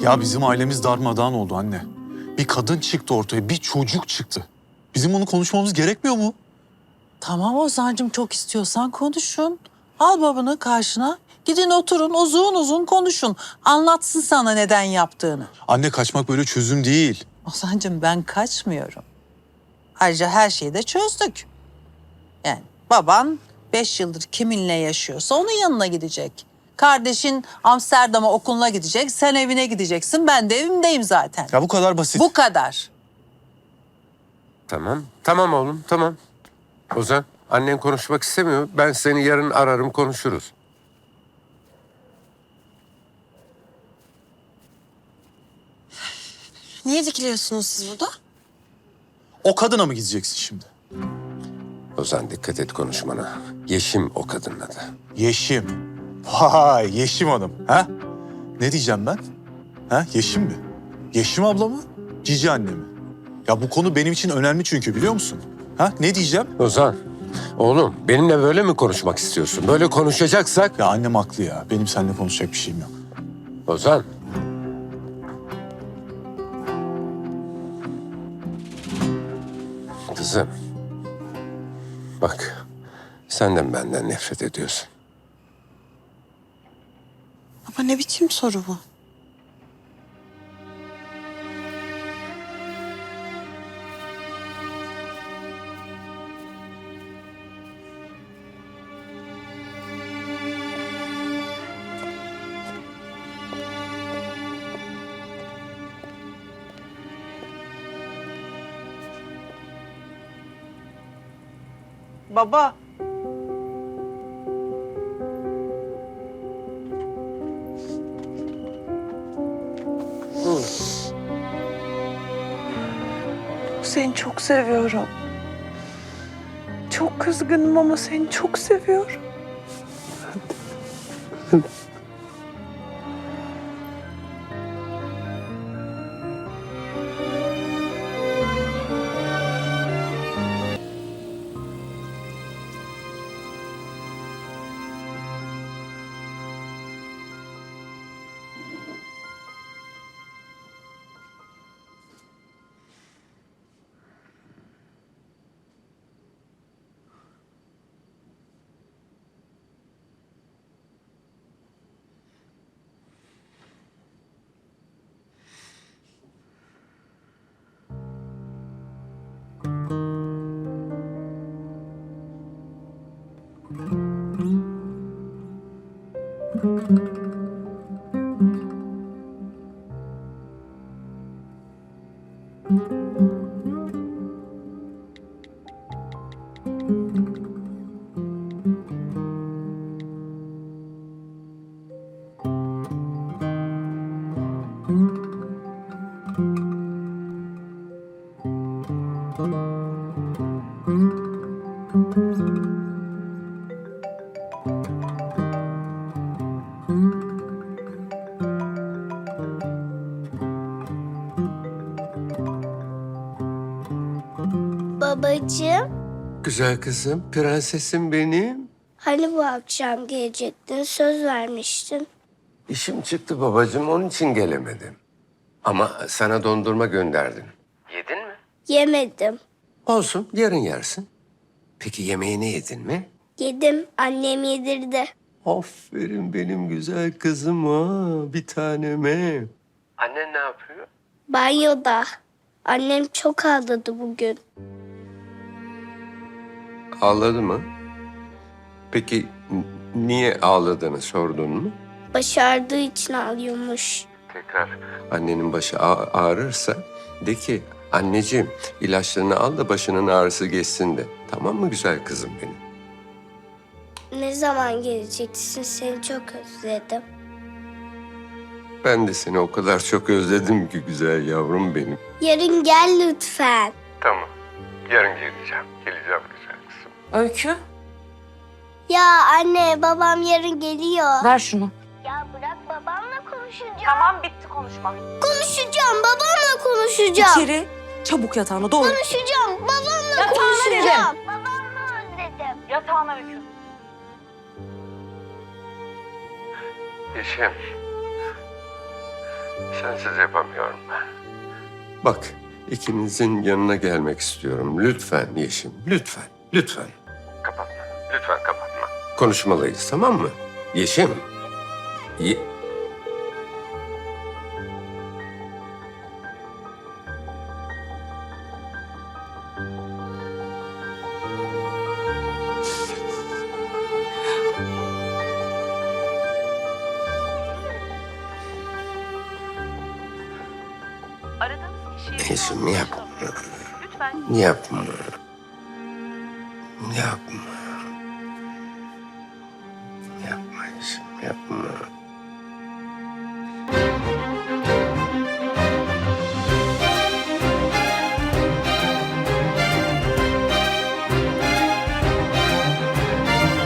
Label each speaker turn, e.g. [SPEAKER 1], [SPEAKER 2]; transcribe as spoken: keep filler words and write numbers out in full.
[SPEAKER 1] Ya bizim ailemiz darmadağın oldu anne. Bir kadın çıktı ortaya, bir çocuk çıktı. Bizim onu konuşmamız gerekmiyor mu?
[SPEAKER 2] Tamam Ozan'cığım, çok istiyorsan konuşun. Al babanı karşına. Gidin oturun, uzun uzun konuşun. Anlatsın sana neden yaptığını.
[SPEAKER 1] Anne, kaçmak böyle çözüm değil.
[SPEAKER 2] Ozan'cığım, ben kaçmıyorum. Ayrıca her şeyi de çözdük. Yani baban beş yıldır kiminle yaşıyorsa onun yanına gidecek. Kardeşin Amsterdam'a okuluna gidecek, sen evine gideceksin. Ben de evimdeyim zaten.
[SPEAKER 1] Ya bu kadar basit.
[SPEAKER 2] Bu kadar.
[SPEAKER 3] Tamam, tamam oğlum, tamam. Ozan, annen konuşmak istemiyor. Ben seni yarın ararım, konuşuruz.
[SPEAKER 4] Niye dikiliyorsunuz siz burada?
[SPEAKER 1] O kadına mı gideceksin şimdi?
[SPEAKER 3] Ozan, dikkat et konuşmana. Yeşim o kadının adı.
[SPEAKER 1] Yeşim. Vay, Yeşim Hanım. Ha? Ne diyeceğim ben? Ha? Yeşim mi? Yeşim abla mı? Cici anne mi? Ya bu konu benim için önemli çünkü, biliyor musun? Ha? Ne diyeceğim?
[SPEAKER 3] Ozan, oğlum benimle böyle mi konuşmak istiyorsun? Böyle konuşacaksak...
[SPEAKER 1] Ya annem haklı ya. Benim seninle konuşacak bir şeyim yok.
[SPEAKER 3] Ozan. Kızım. Bak, sen de benden nefret ediyorsun.
[SPEAKER 4] Baba ne biçim soru bu?
[SPEAKER 2] Baba.
[SPEAKER 5] Seni çok seviyorum. Çok kızgınım ama seni çok seviyorum.
[SPEAKER 6] Babacığım,
[SPEAKER 3] Güzel kızım, prensesim benim.
[SPEAKER 6] hani bu akşam gelecektin, söz vermiştin.
[SPEAKER 3] İşim çıktı babacığım, onun için gelemedim. Ama sana dondurma gönderdim. Yedin mi?
[SPEAKER 6] Yemedim.
[SPEAKER 3] Olsun, yarın yersin. Peki yemeğini yedin mi?
[SPEAKER 6] Yedim, annem yedirdi.
[SPEAKER 3] Aferin benim güzel kızıma, bir taneme. Annen ne yapıyor?
[SPEAKER 6] Banyoda. Annem çok ağladı bugün.
[SPEAKER 3] Ağladı mı? Peki n- niye ağladığını sordun mu?
[SPEAKER 6] Başardığı için ağlıyormuş.
[SPEAKER 3] Tekrar. Annenin başı ağ- ağrırsa de ki anneciğim ilaçlarını al da başının ağrısı geçsin de. Tamam mı güzel kızım benim?
[SPEAKER 6] Ne zaman geleceksin, seni çok özledim.
[SPEAKER 3] Ben de seni o kadar çok özledim ki güzel yavrum benim.
[SPEAKER 6] Yarın gel lütfen.
[SPEAKER 3] Tamam. Yarın geleceğim. Geleceğim güzel kızım.
[SPEAKER 4] Öykü,
[SPEAKER 6] Ya anne, babam yarın geliyor.
[SPEAKER 4] ver şunu.
[SPEAKER 6] Ya bırak, babamla konuşacağım.
[SPEAKER 5] Tamam, bitti konuşma.
[SPEAKER 6] Konuşacağım, babamla konuşacağım.
[SPEAKER 4] İçeri, çabuk yatağına doğru.
[SPEAKER 6] Konuşacağım, babamla
[SPEAKER 5] Yatağına
[SPEAKER 6] konuşacağım. Babamla özledim.
[SPEAKER 5] Yatağına Öykü.
[SPEAKER 3] Yeşim. Sensiz yapamıyorum ben. Bak, ikinizin yanına gelmek istiyorum. Lütfen Yeşim, lütfen, lütfen. Kapatma, lütfen kapatma. Konuşmalıyız, tamam mı? Yeşim. Ye
[SPEAKER 5] Aradığınız kişiye
[SPEAKER 3] Yeşim yapma.
[SPEAKER 5] lütfen
[SPEAKER 3] Yapma. Yapma. Yapma Yeşim, yapma.